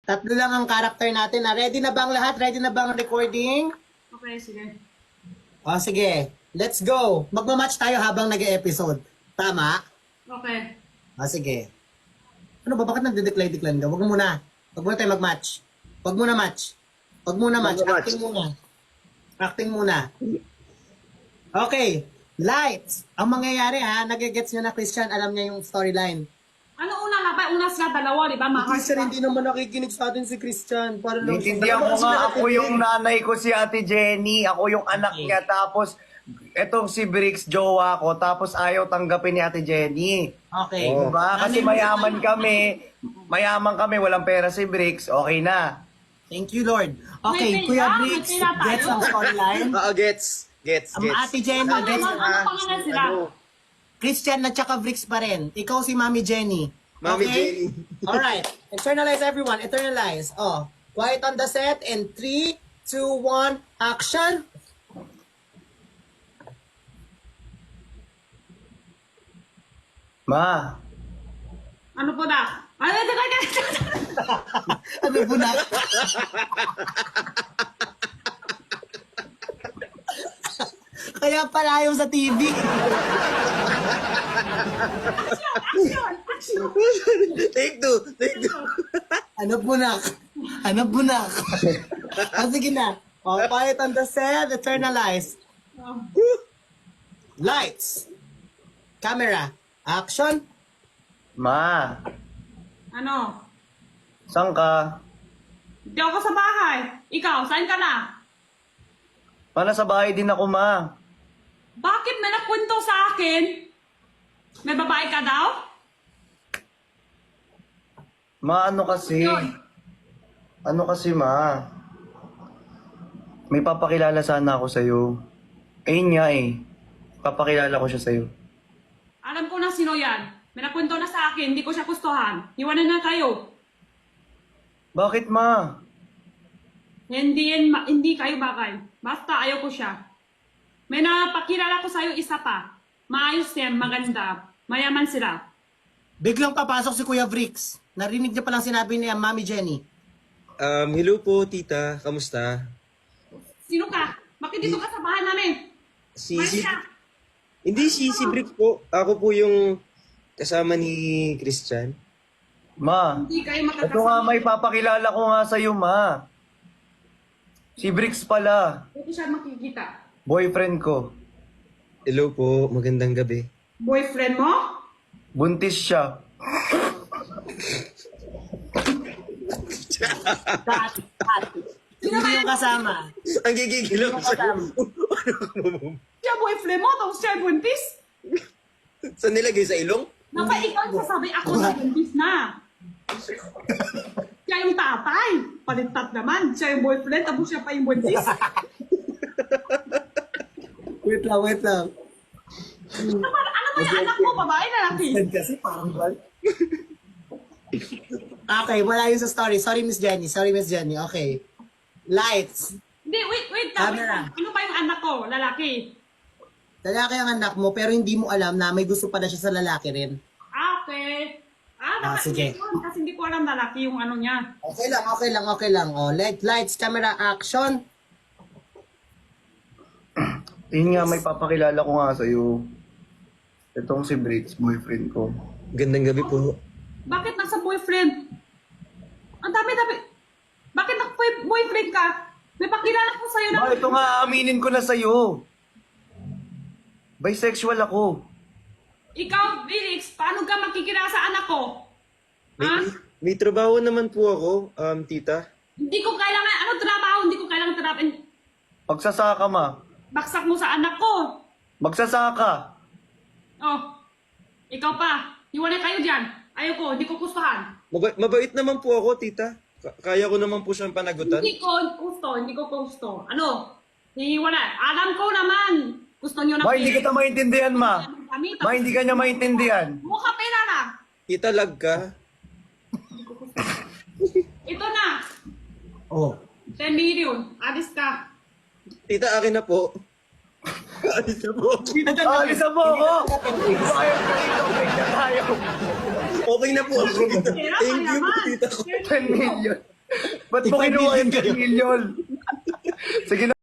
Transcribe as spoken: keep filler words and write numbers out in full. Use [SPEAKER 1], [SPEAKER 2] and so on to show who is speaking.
[SPEAKER 1] Tatlo lang ang character natin. Ah. Ready na ba ang lahat? Ready na ba ang recording?
[SPEAKER 2] Okay, sige.
[SPEAKER 1] O, sige. Let's go. Magmamatch tayo habang nag-episode. Tama?
[SPEAKER 2] Okay.
[SPEAKER 1] O, sige. Ano ba? Bakit nagde-decline-decline ka? Huwag mo muna. Huwag muna tayo mag-match. Huwag muna match. Huwag muna match.
[SPEAKER 3] Mag-match.
[SPEAKER 1] Acting muna. Acting muna. Okay. Lights. Ang mangyayari ha, nagigets nyo na Christian, alam niya yung storyline.
[SPEAKER 2] Ano una nga ba? Una sila dalawa, di ba? Mga
[SPEAKER 1] Christian, hindi naman nakikinig sa atin si Christian. Para lang
[SPEAKER 3] Naintindihan ko nga, ako yung nanay ko si Ate Jenny, ako yung anak
[SPEAKER 1] Okay.
[SPEAKER 3] niya, tapos etong si Bricks, jowa ko, tapos ayaw tanggapin ni Ate Jenny.
[SPEAKER 1] Okay.
[SPEAKER 3] Oh, diba? Kasi
[SPEAKER 1] Nanay mo-
[SPEAKER 3] mayaman kami, mayaman kami, walang pera si Bricks, okay na.
[SPEAKER 1] Thank you, Lord. Okay,
[SPEAKER 2] May
[SPEAKER 1] Kuya
[SPEAKER 2] pera, may
[SPEAKER 1] Briggs,
[SPEAKER 2] pera tayo.
[SPEAKER 1] gets ang storyline.
[SPEAKER 4] Oo, gets. Gets,
[SPEAKER 1] Ang
[SPEAKER 4] gets.
[SPEAKER 1] Ate Jenny,
[SPEAKER 2] Ano,
[SPEAKER 1] gets
[SPEAKER 2] ano, ano pangalan sila?
[SPEAKER 1] Christian at saka Briggs pa rin. Ikaw si Mami Jenny.
[SPEAKER 4] Mami
[SPEAKER 1] Okay?
[SPEAKER 4] Jenny.
[SPEAKER 1] Alright. Internalize everyone. Internalize. Oh. Quiet on the set. In three, two, one, action.
[SPEAKER 3] Ma,
[SPEAKER 2] Ano po na? Ano, teka, teka, teka.
[SPEAKER 1] Ano po na? Kaya pala ayaw sa T V.
[SPEAKER 2] Action, action.
[SPEAKER 4] Take two, take two.
[SPEAKER 1] Ano bunak? Ano bunak? Ah, sige na. Oh, quiet on the set. Internalize.
[SPEAKER 2] Oh.
[SPEAKER 1] Lights. Camera. Action.
[SPEAKER 3] ma,
[SPEAKER 2] Ano?
[SPEAKER 3] saan ka?
[SPEAKER 2] Hindi ako sa bahay. Ikaw, saan ka na?
[SPEAKER 3] Para sa bahay din ako, ma.
[SPEAKER 2] Bakit may nakwento sa akin? May babae ka daw?
[SPEAKER 3] Ma, ano kasi?
[SPEAKER 2] Yun.
[SPEAKER 3] Ano kasi, ma? May papakilala sana ako sa'yo. Ayun nga eh. Papakilala ko siya sa'yo.
[SPEAKER 2] Alam ko na sino yan. May nakwento na sa akin, hindi ko siya gustuhan. Iwanan na kayo.
[SPEAKER 3] Bakit, ma?
[SPEAKER 2] Hindi, yan, ma- hindi kayo bagay. Basta ayaw ko siya. May napakilala ko sa'yo isa pa. Maayos yan, maganda. Mayaman sila.
[SPEAKER 1] Biglang papasok si Kuya Briggs. Narinig niya palang sinabi ni Mami Jenny.
[SPEAKER 4] Um, hello po, tita. Kamusta?
[SPEAKER 2] Sino ka? Bakit dito ka sa bahay namin?
[SPEAKER 4] Si,
[SPEAKER 2] Maayos
[SPEAKER 4] si,
[SPEAKER 2] ka.
[SPEAKER 4] hindi, si, si Brick po. Ako po yung kasama ni Christian.
[SPEAKER 3] Ma,
[SPEAKER 2] Hindi kayo
[SPEAKER 3] ito nga
[SPEAKER 2] magkakasama.
[SPEAKER 3] may papakilala ko nga sa'yo, ma. Si Bricks pala.
[SPEAKER 2] Hindi siya makikita.
[SPEAKER 3] Boyfriend ko.
[SPEAKER 4] Hello po, magandang gabi.
[SPEAKER 2] Boyfriend mo?
[SPEAKER 3] Buntis siya.
[SPEAKER 1] Cut, cut. Sino yung kasama?
[SPEAKER 4] Ang gigigilaw
[SPEAKER 1] Sino
[SPEAKER 4] siya.
[SPEAKER 1] kasama?
[SPEAKER 2] Siya boyfriend mo, tapos siya buntis.
[SPEAKER 4] Saan nilagay sa ilong?
[SPEAKER 2] Napa ikaw sasabi ako na buntis na. Siya yung tatay. Palitat naman. Siya yung boyfriend, tapos siya pa yung buntis.
[SPEAKER 1] Wait lang, wait lang.
[SPEAKER 2] Ano ba, ano ba yung anak mo, babae na laki?
[SPEAKER 1] Kasi parang bal. Okay, wala yun sa story. Sorry, Miss Jenny. Sorry, Miss Jenny. Okay. Lights.
[SPEAKER 2] Hindi, wait, wait. lang, wait
[SPEAKER 1] Camera.
[SPEAKER 2] lang. Ano ba yung anak ko, lalaki?
[SPEAKER 1] Lalaki ang anak mo, pero hindi mo alam na may gusto pala siya sa lalaki rin.
[SPEAKER 2] Ah, okay. Ah,
[SPEAKER 1] Ah,
[SPEAKER 2] dapat
[SPEAKER 1] sige.
[SPEAKER 2] hindi yun, kasi hindi ko alam lalaki yung ano niya.
[SPEAKER 1] Okay lang, okay lang, okay lang. Oh, light, lights, camera, action.
[SPEAKER 3] Yun nga, may papakilala ko nga sa'yo. Itong si Bricks, boyfriend ko.
[SPEAKER 4] Gandang gabi po.
[SPEAKER 2] Bakit nasa boyfriend? Ang dami-dami. Bakit nag-boyfriend ka? May pakilala ko sa'yo na...
[SPEAKER 3] Ma, ito nga, aminin ko na sa'yo. Bisexual ako.
[SPEAKER 2] Ikaw, Felix, paano ka makikilala sa anak ko? Ha?
[SPEAKER 4] May, may trabaho naman po ako, um, tita.
[SPEAKER 2] Hindi ko kailangan, ano trabaho? Hindi ko kailangan trabaho.
[SPEAKER 3] Magsasaka, ma.
[SPEAKER 2] Baksak mo sa anak ko.
[SPEAKER 3] Magsasaka.
[SPEAKER 2] Oh, ikaw pa. Iwanay kayo dyan. Ayaw ko, hindi ko gustuhan.
[SPEAKER 4] Maba- mabait naman po ako, tita. Ka- kaya ko naman po siyang panagutan.
[SPEAKER 2] Hindi ko gusto, hindi ko gusto. Ano? Iwanay. Alam ko naman. Gusto nyo na...
[SPEAKER 3] Ma, hindi kita maintindihan, ma.
[SPEAKER 2] Kami,
[SPEAKER 3] Ma, hindi ka niya maintindihan.
[SPEAKER 2] mukha pera na.
[SPEAKER 4] Tita, lag ka.
[SPEAKER 2] Ito na.
[SPEAKER 1] Oh.
[SPEAKER 2] ten million. Alis ka.
[SPEAKER 4] Tita, akin na po. Alis na po.
[SPEAKER 3] Ah, alisan mo ako. Ayaw ka dito, break na tayo.
[SPEAKER 4] Okay na po ako.
[SPEAKER 2] Pera,
[SPEAKER 4] Thank you po,
[SPEAKER 2] mayaman.
[SPEAKER 4] tita.
[SPEAKER 3] ten million. Ba't mo
[SPEAKER 1] Tigpa
[SPEAKER 3] kinuha yung
[SPEAKER 1] million kayo.
[SPEAKER 3] million? Sige na.